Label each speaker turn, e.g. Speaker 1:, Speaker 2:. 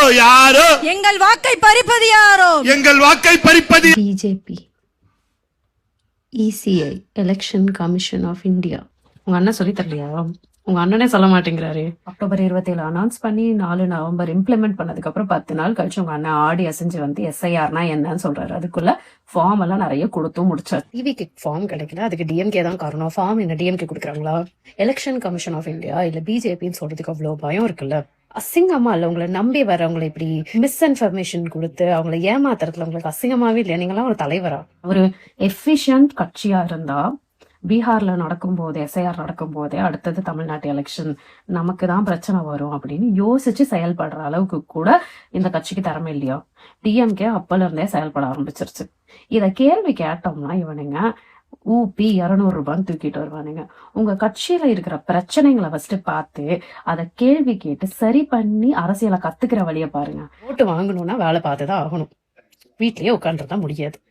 Speaker 1: யாரோ
Speaker 2: எங்கள் வாக்கை பறிப்பது யாரோ
Speaker 1: எங்கள் வாக்கை பறிப்பது
Speaker 3: BJP, ECI, election commission of India. உங்க அண்ணன் சொல்லி தரலையா? உங்க அண்ணனே சொல்ல மாட்டேங்கிறாரு. அக்டோபர் 27 அனௌன்ஸ் பண்ணி 4 நவம்பர் இம்ப்ளிமெண்ட் பண்ணதுக்கு அப்புறம் 10 நாள் கழிச்சு உங்க அண்ணன் ஆடி அசைஞ்சு வந்து எஸ்ஐஆர்னா என்னன்னு சொல்றாரு. அதுக்குள்ள ஃபார்ம் எல்லாம் நிறைய கொடுத்தும் முடிச்சாரு. டிவிக்கு ஃபார்ம் கிடைக்கல, அதுக்கு டிஎம்கே தான் காரணம். ஃபார்ம் என்ன டிஎம்கே கொடுக்குறாங்களா? எலெக்ஷன் கமிஷன் ஆஃப் இந்தியா இல்ல பிஜேபின்னு சொல்றதுக்கு அவ்வளவு பயம் இருக்குல்ல? அசிங்கமா இல்ல? உங்களை நம்பி வரவங்களை இப்படி மிஸ்இன்ஃபர்மேஷன் கொடுத்து அவங்களை ஏமாத்துறதுல உங்களுக்கு அசிங்கமாவே இல்லையா? நீங்களாம் ஒரு தலைவரா? ஒரு எஃபிஷியன்ட் கட்சியா இருந்தா பீகார்ல நடக்கும் போது எஸ்ஐஆர் நடக்கும் போதே அடுத்தது தமிழ்நாட்டு எலெக்ஷன் நமக்கு தான் பிரச்சனை வரும் அப்படின்னு யோசிச்சு செயல்படுற அளவுக்கு கூட இந்த கட்சிக்கு திறமை இல்லையா? டிஎம்கே அப்பல இருந்தே செயல்பட ஆரம்பிச்சிருச்சு. இத கேள்வி கேட்டோம்னா இவனுங்க ஊபி 200 ரூபான்னு தூக்கிட்டு வருவானுங்க. உங்க கட்சியில இருக்கிற பிரச்சனைகளை ஃபர்ஸ்ட் பார்த்து அதை கேள்வி கேட்டு சரி பண்ணி அரசியலை கத்துக்கிற வழியை பாருங்க. ஓட்டு வாங்கணும்னா வேலை பார்த்துதான் ஆகணும், வீட்லயே உட்காந்துதான் முடியாது.